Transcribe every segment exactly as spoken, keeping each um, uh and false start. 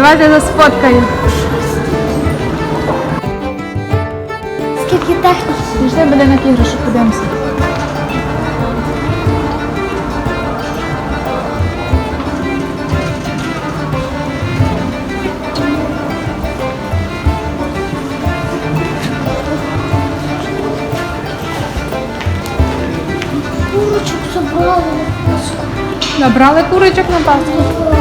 Давайте я сфоткаю. Скільки техніки? Пішли будинок іграшок, подивимося. Курочок забрали на Пасху. Набрали курочок на Пасху.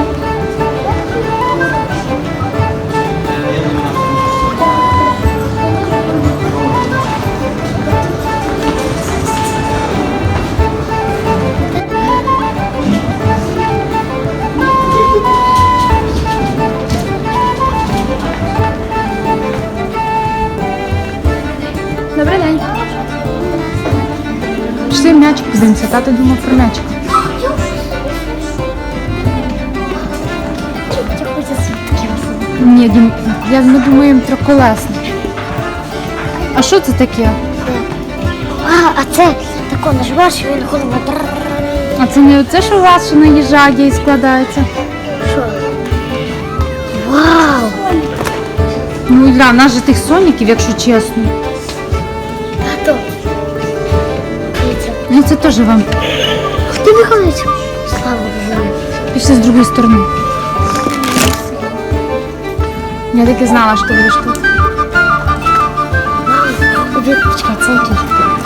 Добрий день. Пішли м'ячик подивимося, тато думав про м'ячик. Я хочу свідки. Ні, Дім, я, ми думаємо триколесний. А що це таке? А, а це тако нажимаєш, і він голова. А це не оце, що у вас що наїжджає і складається? Що? Вау! Ну, Ілля, в нас же тих соніків, якщо чесно. Тато. Дивіться. Ну це теж вам. Хто виходить? Слава Богу. Пішли з другої сторони. Я таки знала, що ти будеш тут. Обід, почекай, це який?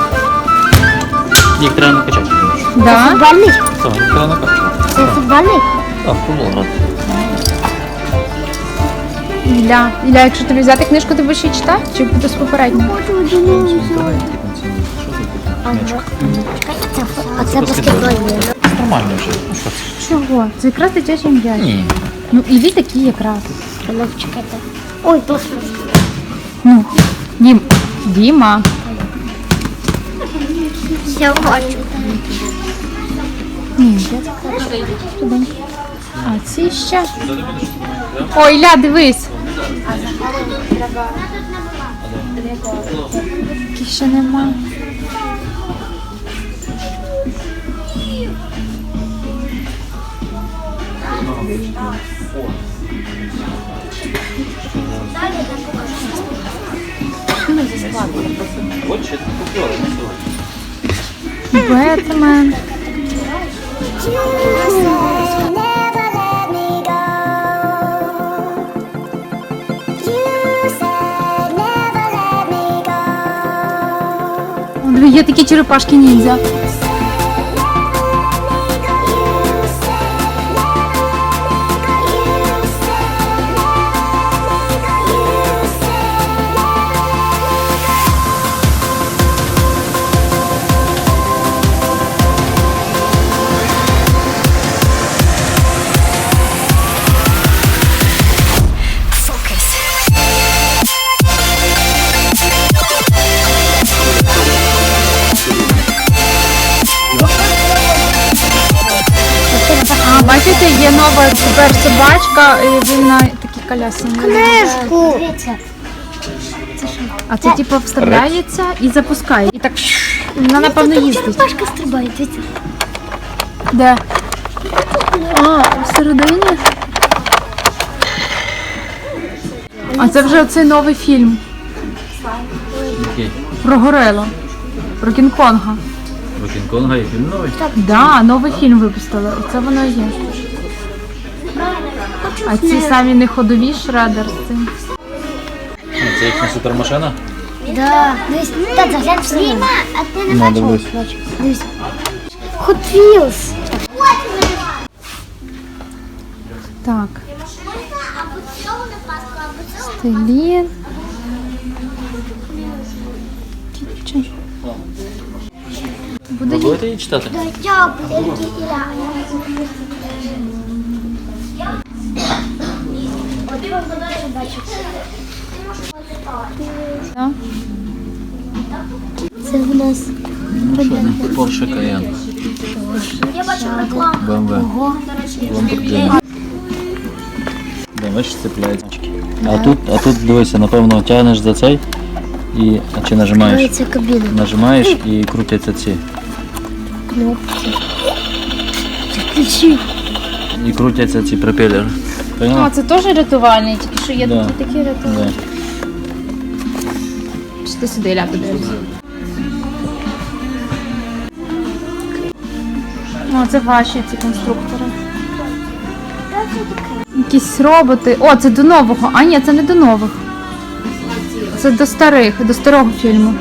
Їх треба накачати. Да? Футбольний? Так, їх треба накачати. Це футбольний? Так, футбол грати. Ілля, Ілля, якщо тобі взяти книжку, ти будеш її читати? Чи буде з попередньою? Ага. Чекай, це, а це баскетбольний. Нормально вже. Ну що це? Чого? Це якраз дитячий м'яч. Ні. Ну, і ви такі якраз. Ну, чекайте. Ой, господи. Ну, Дім, Діма. Я бачу. Ні, я так швиденько. А ці ще. Ой, Ілля, дивись. Таких ще нема. От ще купили на сьогодні. Бетмен. О, диви, є такі черепашки ніндзя. А, бачите, є нова тепер собачка, і він на такій колясці. Книжку. Дивіться. А це типу вставляється і запускає. І так вона напевно їздить. Черепашка стрибає, дивіться. Де? А, всередині? А це вже оцей новий фільм Який? про горилу, про Кінг-Конга. Про Кінг-Конга є фільм новий? Так, да, новий фільм випустили. Оце воно і є. А ці самі неходові Шредер з цим. А, це їхня супермашина? Да. Дивись, так, заглянь в себе. А ти не Ну, бачив? дивлюсь. Дивись. Hot Wheels. Так. Стилін. Кітчен. Буде Ви будете її читати? Я великий Іля. Да? Це в нас Porsche Cayenne. я бачу рекламу. бэ эм вэ. Lamborghini. Да, бачиш, цепляється. А тут, а тут дивися, напевно, тягнеш за цей і а чи нажимаєш? Це кабіна. Нажимаєш і крутяться ці. Кнопки. Ключі. І крутяться ці пропелери. Поняла? А, це теж рятувальний, тільки що є Да. такі такі рятувальні. Да. Чи ти сюди ляпи дивишся? О, це ваші ці конструктори. Якісь роботи. О, це до нового. А ні, це не до нових. Це до старих, до старого фільму.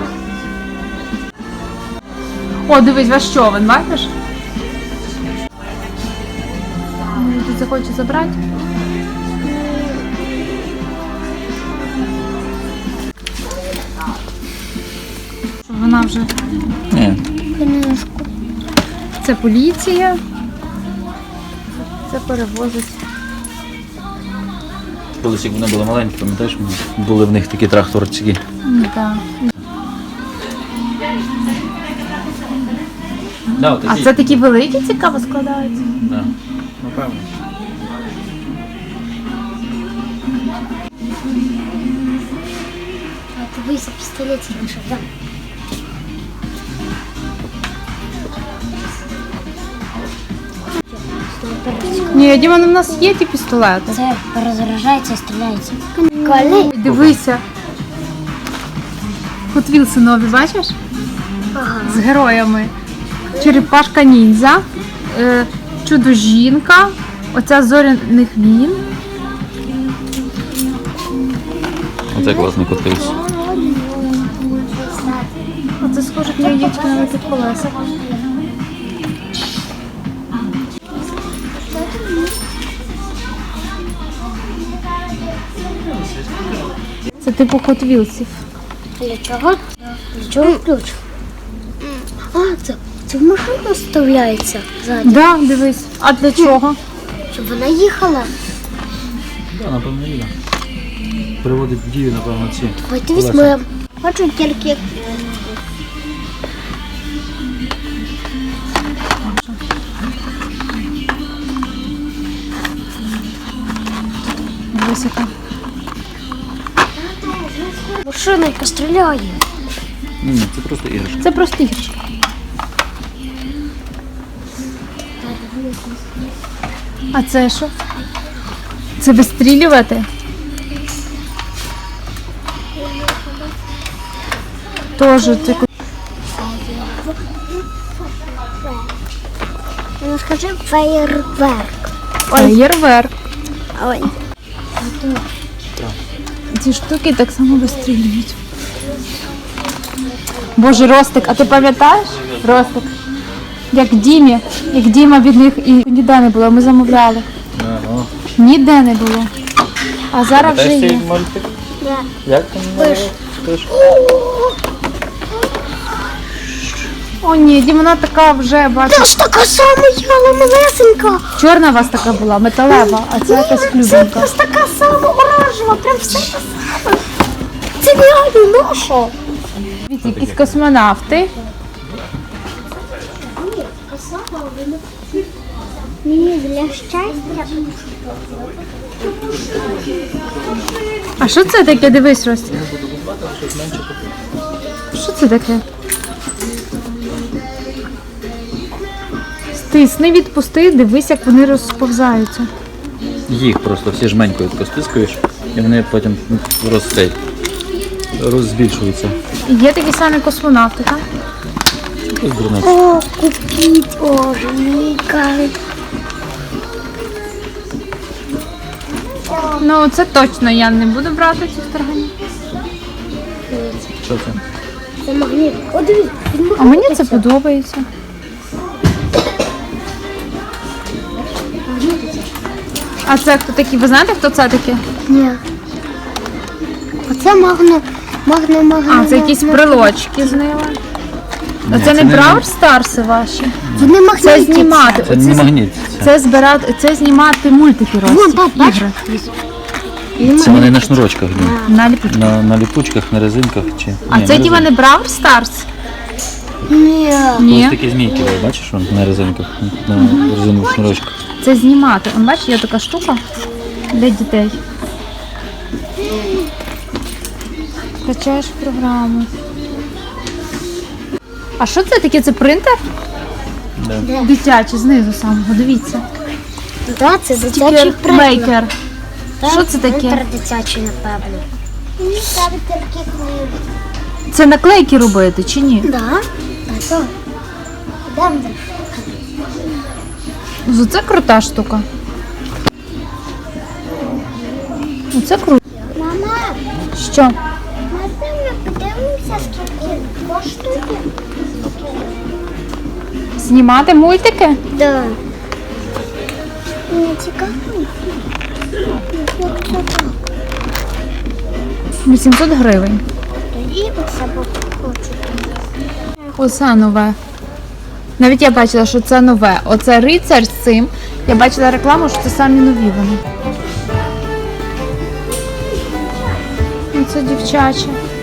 О, дивись, ваш човен, бачиш? Може, тут захоче забрати? Що, вона вже... Ні. Книжку. Це поліція. Це перевозить. Колись як вони були маленькі, пам'ятаєш, були в них такі тракторчики. Ну, так. Да, А це такі великі, цікаво складаються? Да. Напевно. А дивися, пістолетик знайшов, так? Ні, Діма, ну, в нас є ті пістолети. Це розражається і стріляється. Коли? Дивися. Hot Wheels нові, бачиш? Ага. З героями. Черепашка ніндзя, е, чудо-жінка, оця зоряних війн. Оце класний котився. Оце схоже на яєчко на великих колесах. Це типу Hot Wheels'ів. Для чого? Для чого ключ? А, це, це в машину вставляється ззаді, Да, дивись. А для чого? щоб вона їхала. Да, напевно, є. Приводить в дію, напевно, ці. Ой, дивись, ми хочу тільки Дивись, яка. машина, яка стріляє. Ні, це просто іграшка. Це просто іграшка. А це що? Це вистрілювати? Тоже це Ну, скажи феєрверк. феєрверк. Ой. Ці штуки так само вистрілюють. Боже, Ростик, а ти пам'ятаєш? Ростик. Як Дімі, як Діма від них і ніде не було, ми замовляли. Ага. Ніде не було. А зараз вже Пам'ятаєш є. цей мультик? Да. Як там? Пиш. Пиш. О ні, Діма, вона така вже, бачиш. Та ж така сама яла малесенька. Чорна у вас така була, металева, а це якась Це клюбинка. просто така сама оранжева, прям все те саме. Це реально наша. Дивіться, якісь космонавти. Мені для щастя. А що це таке? Дивись, Ростик. Що це таке? Стисни, відпусти, дивись, як вони розповзаються. Їх просто всі жменькою тако стискуєш, і вони потім розцей, розбільшуються. І є такі самі космонавти, так? Якось дурниць. О, купіть, боже, мій кажуть. Ну, це точно я не буду брати цих тарганів. Що це? Це магніт. О, дивись, він А мені це подобається. А це хто такі? Ви знаєте, хто це таке? Ні. Оце магно, магно, магно. А, це якісь магно. брелочки з ними. А Ні, це це не не- Бравл Старси ваші? Вони Це магнітяться. знімати. Це не Оце, магніт. Це, це збирати, це знімати мультики Вон, Рості, пап, бач? ігри. це вони на шнурочках. Ні. На ліпучку. На, на ліпучках, на резинках чи. А Ні, це на діва не резинках. Бравл Старс? Ні. Ось Ні. такі змійки, ви бачиш, вон, на резинках, на резинових шнурочках. Це знімати. Он бачиш, є така штука для дітей. Качаєш програму. А що це таке? Це принтер? Да. Дитячий, знизу самого, дивіться. Да, це дитячий Тепер приклад. мейкер. Що це таке? Мейкер дитячий, напевно. Мені ставить такі книги. Це наклейки робити чи ні? Да. Так. Йдемо. Ну, це крута штука. Ну, це круто. Мама, Що? можна ми подивимося, скільки коштує? Знімати мультики? Да. Мені цікаво. Як це так? вісімсот гривень. Тоді оце хочу. Оце нове. Навіть я бачила, що це нове. Оце рицар з цим. Я бачила рекламу, що це самі нові вони. Це дівчаче.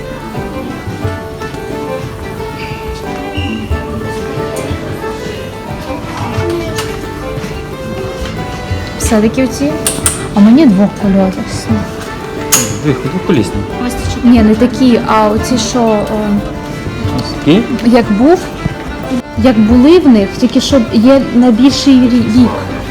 Все-таки оці. А мені двох польотів. Двох, двохколісний. Ні, не такі, а оці, що о, Такий? як був, як були в них, тільки що є найбільший рі- вік.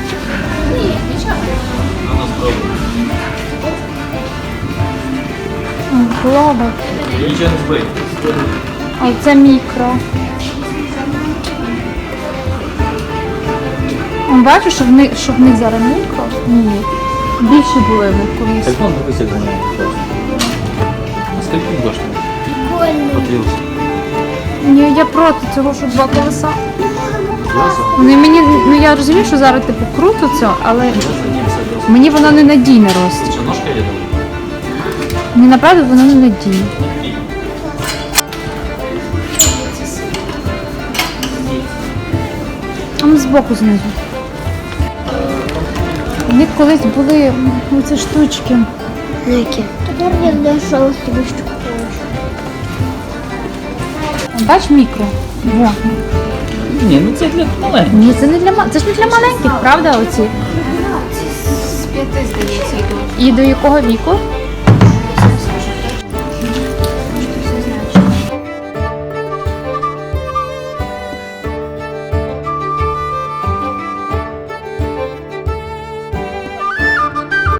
Глоба. Нічого не збий. А це мікро. Он бачу, що в них, що в них зараз мікро? Ні. Більше були в них колись. Телефон дивись, як ганяє. А скільки він коштує? Прикольно. Потрібно. Ні, я проти цього, що два колеса. Класно. Вони мені, ну я розумію, що зараз типу круто це, але Я за ним садився. мені воно не надійне росте. Що, ножка є там? Мені направду воно не надійне. А ми збоку знизу. В них колись були оці штучки. Які? Тепер я знайшов собі штуку. Бач мікро. Во. Ні, ну це для маленьких. Ні, це не для ма- це ж не для маленьких, правда, оці? З п'яти, здається, йдуть. І до якого віку?